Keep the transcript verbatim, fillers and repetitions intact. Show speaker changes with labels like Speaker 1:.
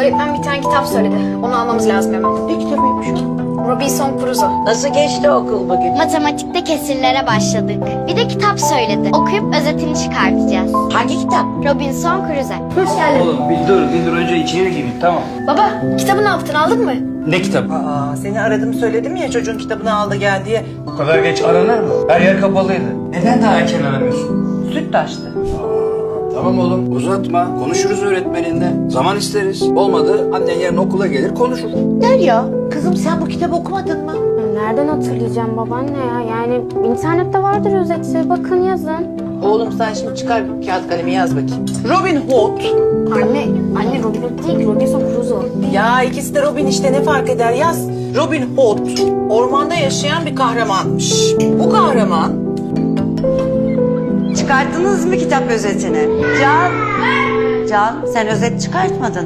Speaker 1: öğretmen bir tane kitap söyledi. Onu almamız lazım hemen.
Speaker 2: Ne kitabıymış o?
Speaker 1: Robinson Crusoe.
Speaker 3: Nasıl geçti okul bugün?
Speaker 4: Matematikte kesirlere başladık. Bir de kitap söyledi. Okuyup özetini çıkartacağız.
Speaker 3: Hangi kitap?
Speaker 4: Robinson Crusoe.
Speaker 1: Hoş geldin.
Speaker 5: Oğlum bir dur, bir dur önce içeri gireyim tamam.
Speaker 1: Baba, kitabı ne yaptın? Aldın mı?
Speaker 5: Ne kitabı?
Speaker 2: Aa, seni aradım söyledim ya çocuğun kitabını aldı gel diye.
Speaker 5: Bu kadar geç aranır mı? Her yer kapalıydı. Neden daha erken aramıyorsun?
Speaker 2: Süt taştı.
Speaker 6: Tamam oğlum uzatma. Konuşuruz öğretmeninle. Zaman isteriz. Olmadı annen yarın okula gelir konuşur.
Speaker 2: Derya, kızım sen bu kitabı okumadın mı?
Speaker 7: Nereden hatırlayacağım babaanne ya? Yani internette vardır özeti. Bakın yazın.
Speaker 2: Oğlum sen şimdi çıkar kağıt kalemi yaz bakayım. Robin Hood.
Speaker 1: Anne, anne Robin Hood değil, Robinson Crusoe.
Speaker 2: Ya ikisi de Robin işte ne fark eder yaz. Robin Hood ormanda yaşayan bir kahramanmış. Bu kahraman
Speaker 3: Çıkarttınız mı kitap özetini? Can, Can sen özet çıkartmadın.